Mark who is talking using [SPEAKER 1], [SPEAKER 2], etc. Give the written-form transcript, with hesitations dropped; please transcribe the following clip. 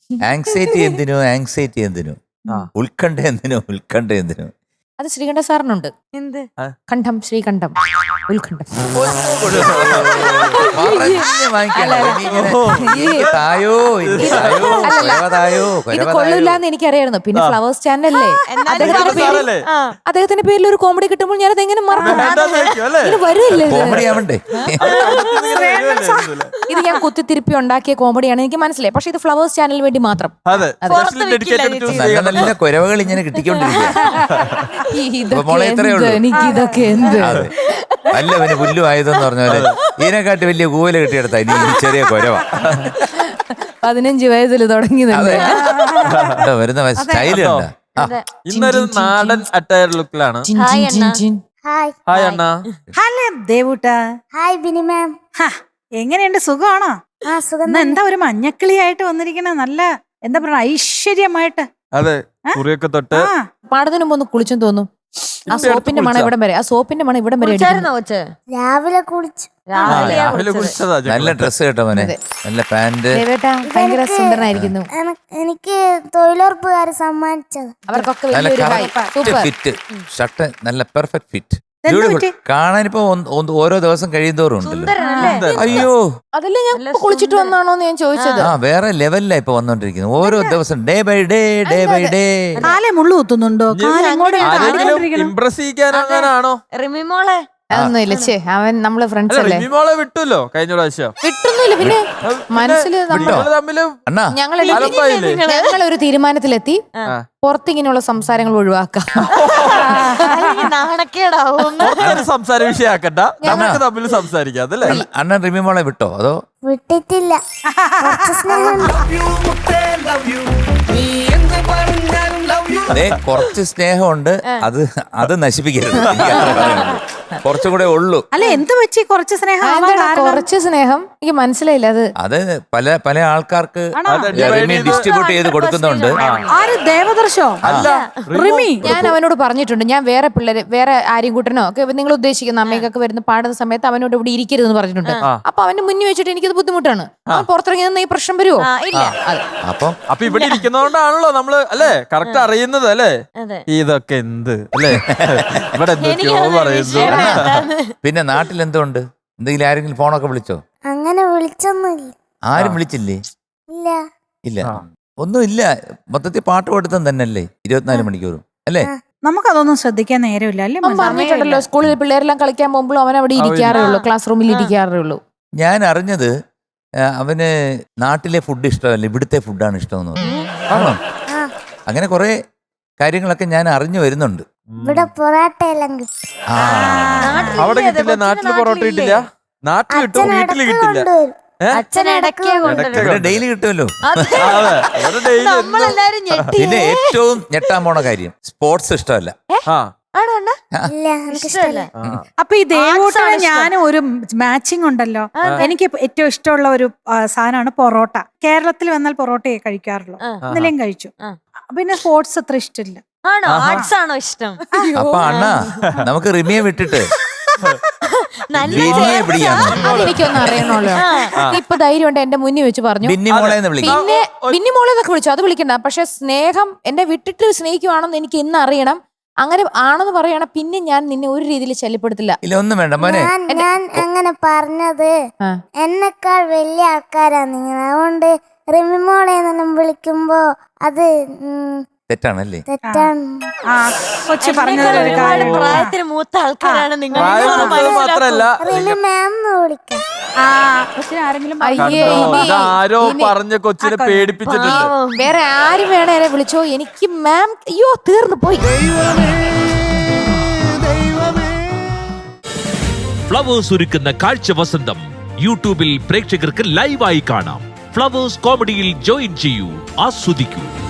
[SPEAKER 1] Anxiety എന്തിനു ഉത്കണ്ഠ എന്തിനു
[SPEAKER 2] അത് ശ്രീകണ്ഠ സാറിനുണ്ട്.
[SPEAKER 3] എന്ത്
[SPEAKER 2] കണ്ഠം, ശ്രീകണ്ഠം, ഉത്കണ്ഠം. ഇത് കൊള്ളൂലെന്ന് എനിക്കറിയായിരുന്നു. പിന്നെ ഫ്ലവേഴ്സ് ചാനലല്ലേ, അദ്ദേഹത്തിന്റെ പേരിൽ ഒരു കോമഡി കിട്ടുമ്പോൾ ഞാനത് എങ്ങനെ മറക്കും? ഇത് വരില്ലേ? ഇത് ഞാൻ കുത്തിത്തിരിപ്പി ഉണ്ടാക്കിയ കോമഡിയാണ്, എനിക്ക് മനസ്സിലായി. പക്ഷെ ഇത് ഫ്ലവേഴ്സ് ചാനലിന് വേണ്ടി മാത്രം.
[SPEAKER 1] നല്ല കുരവകൾ ഇങ്ങനെ കിട്ടിക്കൊണ്ടിരിക്കുക.
[SPEAKER 2] എനിക്കിതൊക്കെ എന്ത്
[SPEAKER 1] അല്ല പിന്നെ പുല്ലു ആയതെന്ന് പറഞ്ഞാല് ഇതിനെക്കാട്ടി വലിയ കൂവല കിട്ടിയെടുത്ത ഇനി ചെറിയ കുരവ.
[SPEAKER 2] 15 വയസ്സിൽ തുടങ്ങി
[SPEAKER 1] വരുന്ന സ്റ്റൈല്
[SPEAKER 4] ഇന്നൊരു നാടൻ അറ്റയർ ലുക്കിലാണ്. ഹായ് അണ്ണ.
[SPEAKER 5] ഹലോ ദേവൂട്ടാ.
[SPEAKER 3] Hi Bini ma'am.
[SPEAKER 5] എങ്ങനെയുണ്ട്, സുഖമാണോ?
[SPEAKER 3] സുഖം.
[SPEAKER 5] എന്താ ഒരു മഞ്ഞക്കിളിയായിട്ട് വന്നിരിക്കണ, നല്ല എന്താ പറയാ ഐശ്വര്യമായിട്ട്.
[SPEAKER 4] അതെ, കുറിയൊക്കെ തൊട്ട്
[SPEAKER 2] പാടത്തിന് മുമ്പ് ഒന്ന് കുളിച്ചും തോന്നും. ആ സോപ്പിന്റെ മണം ഇവിടം വരെ,
[SPEAKER 3] രാവിലെ കുളിച്ചു.
[SPEAKER 4] രാവിലെ കുളിച്ചതാ.
[SPEAKER 1] നല്ല ഡ്രസ് കേട്ടോ മോനെ, നല്ല പാന്റ്.
[SPEAKER 2] ഭയങ്കര സുന്ദരനായിരിക്കുന്നു.
[SPEAKER 3] എനിക്ക് തൊഴിലുറപ്പുകാർ സമ്മാനിച്ചത്.
[SPEAKER 2] അവർക്കൊക്കെ
[SPEAKER 1] നല്ല ഫിറ്റ് ഷർട്ട്, നല്ല പെർഫെക്റ്റ് ഫിറ്റ്. കാണാനിപ്പോ ഓരോ ദിവസം കഴിയുന്തോറും ഉണ്ടല്ലോ. അയ്യോ,
[SPEAKER 2] അതല്ലേ ഞാൻ കുളിച്ചിട്ട് വന്നാണോന്ന് ഞാൻ ചോദിച്ചത്.
[SPEAKER 1] ആ വേറെ ലെവലിലാ ഇപ്പൊ വന്നോണ്ടിരിക്കുന്നത്. ഓരോ ദിവസം ഡേ ബൈ ഡേ.
[SPEAKER 5] കാലെ മുള്ളു കുത്തുന്നുണ്ടോ?
[SPEAKER 4] ഇംപ്രസ് ചെയ്യാനാണോ
[SPEAKER 3] റിമിമോളെ?
[SPEAKER 2] അതൊന്നുമില്ല, ചേ അവൻ നമ്മള് ഫ്രണ്ട്സ് അല്ലേ.
[SPEAKER 4] റിമിമോളെ വിട്ടല്ലോ കഴിഞ്ഞ പ്രാവശ്യം.
[SPEAKER 2] വിട്ടൊന്നുമില്ല, പിന്നെ മനസ്സില് ഞങ്ങളൊരു തീരുമാനത്തിലെത്തി, പുറത്തിങ്ങനെയുള്ള സംസാരങ്ങൾ ഒഴിവാക്കാം.
[SPEAKER 3] നാണക്കേടാവും.
[SPEAKER 4] സംസാര വിഷയാക്കണ്ട, നമുക്ക് തമ്മിൽ സംസാരിക്കാം അതല്ലേ.
[SPEAKER 1] അണ്ണൻ റിമിമോളെ വിട്ടോ അതോ?
[SPEAKER 3] വിട്ടിട്ടില്ല.
[SPEAKER 1] കുറച്ച് സ്നേഹമുണ്ട്, അത് നശിപ്പിക്കരുത്. കുറച്ചും കൂടെ ഉള്ളൂ.
[SPEAKER 5] അല്ല എന്ത് വെച്ച് കുറച്ച് സ്നേഹം?
[SPEAKER 2] കുറച്ച് സ്നേഹം എനിക്ക് മനസ്സിലായില്ല. അത്
[SPEAKER 1] പല ആൾക്കാർക്ക് ഡിസ്ട്രിബ്യൂട്ട് ചെയ്ത് കൊടുക്കുന്നുണ്ട്.
[SPEAKER 5] ദേവദർശോ അല്ല റിമി.
[SPEAKER 2] ഞാൻ അവനോട് പറഞ്ഞിട്ടുണ്ട്, ഞാൻ വേറെ ആരെയും കൂട്ടനോ ഒക്കെ നിങ്ങൾ ഉദ്ദേശിക്കുന്ന അമ്മയ്ക്കൊക്കെ വരുന്ന പാടുന്ന സമയത്ത് അവനോട് ഇവിടെ ഇരിക്കരുതെന്ന് പറഞ്ഞിട്ടുണ്ട്. അപ്പൊ അവന്റെ മുന്നിൽ വെച്ചിട്ട് എനിക്കത് ബുദ്ധിമുട്ടാണ്. അവൻ പുറത്തിറങ്ങി നിന്ന് ഈ പ്രശ്നം വരുമോ?
[SPEAKER 4] അപ്പൊ ഇവിടെ ഇരിക്കുന്നോണ്ടാണല്ലോ നമ്മള് അല്ലേ കറക്റ്റ് അറിയുന്നത് അല്ലേ. ഇതൊക്കെ എന്ത് അല്ലേ, ഇവിടെ എന്തൊക്കെയോ പറയുന്നു.
[SPEAKER 1] പിന്നെ നാട്ടിൽ എന്തുകൊണ്ട്? എന്തെങ്കിലും ആരെങ്കിലും ഫോണൊക്കെ വിളിച്ചോ?
[SPEAKER 3] അങ്ങനെ വിളിച്ചൊന്നുമില്ല.
[SPEAKER 1] ആരും വിളിച്ചില്ലേ? ഇല്ല, ഒന്നുമില്ല. മൊത്തത്തിൽ പാട്ട് പഠിത്തം തന്നെയല്ലേ 24 മണിക്കൂറും അല്ലേ.
[SPEAKER 5] നമുക്കതൊന്നും ശ്രദ്ധിക്കാൻ നേരമില്ല അല്ലേ.
[SPEAKER 2] പറഞ്ഞിട്ടുണ്ടല്ലോ, സ്കൂളിൽ പിള്ളേരെല്ലാം കളിക്കാൻ പോകുമ്പോഴും അവൻ അവിടെ ഇരിക്കാറേ ഉള്ളൂ, ക്ലാസ് റൂമിൽ ഇരിക്കാറേ ഉള്ളൂ.
[SPEAKER 1] ഞാൻ അറിഞ്ഞത് അവന് നാട്ടിലെ ഫുഡ് ഇഷ്ടമല്ല, ഇവിടുത്തെ ഫുഡാണ് ഇഷ്ടമെന്ന് പറഞ്ഞു. അങ്ങനെ കുറെ കാര്യങ്ങളൊക്കെ ഞാൻ അറിഞ്ഞു വരുന്നുണ്ട്.
[SPEAKER 3] ഇവിടെ പൊറോട്ട എല്ലാം
[SPEAKER 4] അവിടെ കിട്ടില്ല, നാട്ടില് പൊറോട്ട കിട്ടില്ല. നാട്ടിൽ കിട്ടും, വീട്ടില് കിട്ടില്ല.
[SPEAKER 1] ഡെയിലി കിട്ടുമല്ലോ. പിന്നെ ഏറ്റവും ഞെട്ടാൻ പോണ കാര്യം, സ്പോർട്സ് ഇഷ്ടമല്ല.
[SPEAKER 5] അപ്പൊ ഈ ദേവൂട്ടന് ഞാൻ ഒരു മാച്ചിങ് ഉണ്ടല്ലോ. എനിക്ക് ഏറ്റവും ഇഷ്ടമുള്ള ഒരു സാധനമാണ് പൊറോട്ട. കേരളത്തിൽ വന്നാൽ പൊറോട്ടയെ കഴിക്കാറുള്ളൂ, ഇന്നലെയും കഴിച്ചു. പിന്നെ സ്പോർട്സ് അത്ര ഇഷ്ടമില്ല.
[SPEAKER 3] ആണോ ഇഷ്ടം?
[SPEAKER 1] അപ്പൊ അണ്ണാ നമുക്ക് റിമിയെ വിട്ടിട്ട്
[SPEAKER 2] എനിക്കൊന്നും അറിയണല്ലോ. ഇപ്പൊ ധൈര്യം ഉണ്ട്, എന്റെ മുന്നിൽ വെച്ച് പറഞ്ഞു. പിന്നെ ബിന്നിമോളെ എന്നൊക്കെ വിളിച്ചു, അത് വിളിക്കണ്ട. പക്ഷെ സ്നേഹം എന്നെ വിട്ടിട്ട് സ്നേഹിക്കുവാണെന്ന് എനിക്ക് ഇന്ന് അറിയണം. അങ്ങനെ ആണെന്ന് പറയണം, പിന്നെ ഞാൻ നിന്നെ ഒരു രീതിയിൽ ശല്യപ്പെടുത്തില്ല.
[SPEAKER 1] ഒന്നും വേണ്ട മോനെ.
[SPEAKER 3] ഞാൻ അങ്ങനെ പറഞ്ഞത് എന്നെക്കാൾ വലിയ ആൾക്കാരാണ് നിങ്ങൾ, അതുകൊണ്ട് റിമിമോളെ വിളിക്കുമ്പോ അത്
[SPEAKER 1] തെറ്റാണല്ലേ?
[SPEAKER 3] തെറ്റാണ്.
[SPEAKER 5] കൊച്ചു പറഞ്ഞത്
[SPEAKER 3] പ്രായത്തിന് മൂത്ത ആൾക്കാരാണ് നിങ്ങൾ.
[SPEAKER 4] ആരോ പറഞ്ഞ കൊച്ചിനെ പേടിപ്പിച്ചിട്ടുണ്ട്.
[SPEAKER 2] വേറെ ആരും വേണേ വിളിച്ചോ, എനിക്ക് മാം അയ്യോ തീർന്നു പോയി.
[SPEAKER 6] ഫ്ലവേഴ്സ് ഒരുക്കുന്ന കാഴ്ച വസന്തം യൂട്യൂബിൽ പ്രേക്ഷകർക്ക് ലൈവായി കാണാം. ഫ്ലവേഴ്സ് കോമഡിയിൽ ജോയിൻ ചെയ്യൂ, ആസ്വദിക്കൂ.